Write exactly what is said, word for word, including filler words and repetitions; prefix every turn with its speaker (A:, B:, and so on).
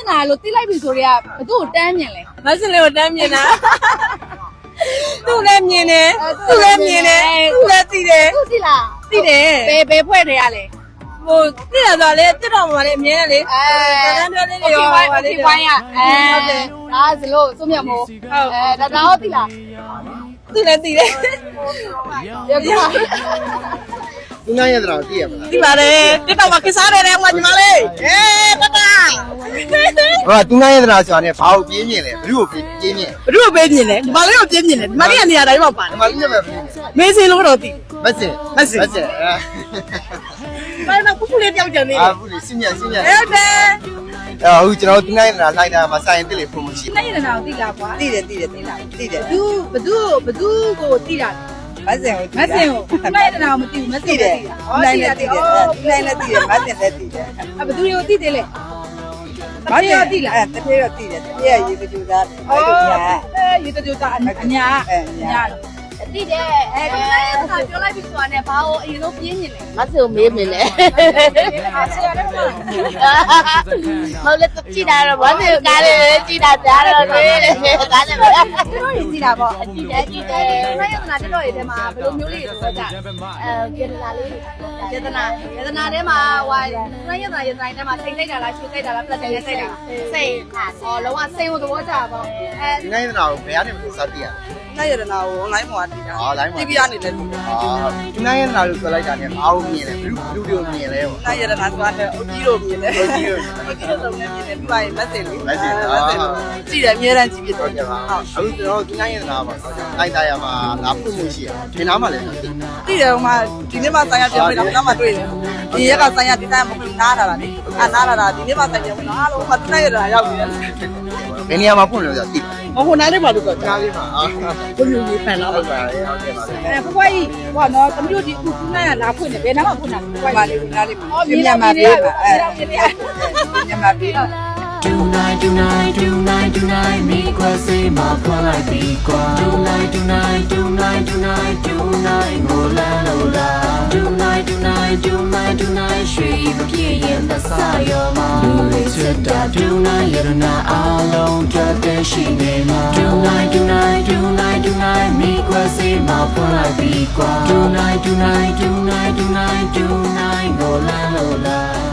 A: မျက်နှာလို့တိလိုက်ပြီဆိုတော့ဘသူ့ကိုတန်းမြင်လဲမဆင်လေးကိုတန်းမြင်တာသူ့လည်းမြင်တယ်သူ့လည်းမြင်တယ်သူ့လည်းသိတယ်သူ့သိလားသိတယ်ဘယ်ဘယ်ဖွဲ့တွေရလဲဟိုသိရဆိုလေတက်တော်မှာလေအမြင်နဲ့လေအဲတန်းတွဲလေးတွေရောဟိုလေးဝိုင်းရအဲဟုတ်တယ်ဒါစလို့စုမြတ်မို့အဲဒါတော့သိလားသိလည်းသိတယ်ရပြ
B: သူနိုင်ရတဲ့တော့သိရမလား
A: သိပါတယ်တက်တော်မှာခစားတယ်တဲ့ဟိုညီမလေးအေးတတ
B: ဟောသူနိုင်ရတဲ့တော့ဆိုတာ ਨੇ ဘာကိုပြင်းမြင်လဲဘ누구ကိုပြင်းမြင်
A: ဘ누구ကိုပြင်းမြင်လဲညီမလေးကိုပြင်းမြင်တယ်ညီမလေးကနေရာတိုင်းမှာပါတယ်
B: ညီမလေးလည်းပဲပြင်း
A: မေးစင်းလို့တော့သိ
B: မစင်မစင်မစင်
A: ဘာလို့ခုခုလေးပြောက်ကြနေလဲ
B: အာဘူးလေစင်ညက်စင်ညက်
A: ဟုတ်တယ်
B: အခုကျွန်တော်သူနိုင်ရတဲ့လိုက်တာမှာစိုင်းတက်လေဖို့မရှိ
A: နိုင်ရတဲ့တော့သိလားကွာ
C: သိတယ်သိတယ်သိလားသိတယ်
A: ဘသူဘသူဘသူကိုသိတာ
C: မစင်ကို
A: မစင်ကိုနိုင်ရတဲ့တော့မသိဘူးမသိတယ်
C: နိုင်လည်းသိတယ်နိုင်လည်းသိတယ်မစင်လည်းသိတယ်
A: အဘသူတွေကိုသိတယ်လေ
C: မစင်သိလားအဲတပြေတော့သိတယ်တပြေရေကကြူသားအဲ့လိုညာ
A: အဲရေကကြူသားအညာအညာသိတယ်အဲဒါလည်းကပြောလိုက်ပြီဆိုတာနဲ့ဘာလို့အရင်ဆုံးပြင်းနေလဲ
D: မဆူမေးမေးလေမဟုတ်လေကြည့်တာတော့ဘာလို့ကားလေးကြည့်တာကြားတော့လေကားလေးပဲ
A: တို့ရည်ကြည့်တာပေါ့အကြည့်တယ်ကြည့်တယ်ခိုင်းရတာတက်တော့ရတဲ့မှာဘယ်လိုမျိုးလေးဆိုကြ
D: အဲကေတနာလေး
A: ကေတနာကေတနာထဲမှာဟိုခိုင်းရတာရတိုင်းထဲမှာစိတ်လိုက်တာလားရှူလိုက်တာလားပလက်တယ်နဲ့စိတ်တာစိတ်ဟောလုံးဝစိတ်ကိုသဘောကျပါပေါ့
B: အဲသူနိုင်ရတဲ့တော့ဘယ်ကနေစသိရ
C: နိုင်ရတဲ့နာကို online မှာတည်တာ
B: ဟော online မှာ
C: တီဗီ ကနေလည်းတည်တာ
B: ဟောသူနိုင်ရတဲ့နာလို့ပြောလိုက်တာ ਨੇ ဘာလို့မြင်လဲဘ누구လူတွေမြင်လဲပေါ့
C: နိုင်ရတဲ့နာဆိုတာလည်းအကြီးတို့မြင်တယ်
B: အကြီးတို့
C: အကြီးတို့လုံးနဲ့မြင်တယ်ပြီးပါရင်မက်ဆေ့လေး
B: မက်ဆေ့
C: ကြည့်တယ်အများတန်းကြည့်ပြတော့
B: ဟုတ်ကဲ့ပါအခုကျွန်တော်သူနိုင်ရတဲ့နာပါလိုက်တာရမှာလာဖို့မှုရှိရဒီနားမှာလည်း
C: သိတယ်ဟိုမှာဒီနေ့မှဆိုင်ရပြန်ပြီးတော့နောက်မှတွေ့တယ်ဒီရက်ကဆိုင်ရဒီတိုင်းမဖြစ်နားလာတာလေအာနားလာတာဒီနေ့မှဆိုင်ပြန်ပြီးတော့အားလုံးမှနိုင်ရတာရောက်နေတယ်
B: ဘယ်နေရာမှာဖွင့်လို့ဆိုသိ
C: ဟိုဟိုနားလေးပါလို့ဆို
B: ကြားလေးမှာအာ
C: ဘုံယူဖန်လာ
B: ဟုတ်ပါတယ်ဟုတ်ကဲ့ပါ
A: အဲဘွားကြီးဟောနော်သမီးတို့ဒီခုခုနိုင်ရလာဖွင့်တယ်ဘယ်နားမှာဖွင့်တာ
C: ဘွားလေးနားလေးမှာမြန်မာပြည်မှာအဲမြန်မာပြည်
E: Tonight, tonight, tonight, tonight, me qua say ma qua lại đi qua. Tonight, tonight, tonight, tonight, tonight, ngô la lô la. Tonight, tonight, tonight, tonight, sweet mà kia yên ta sa yo ma. Lui chết ta tonight, yết na alone, trap đến she nghe ma. Tonight, tonight, tonight, tonight, me qua say ma qua lại đi qua. Tonight, tonight, tonight, tonight, tonight, ngô la lô la.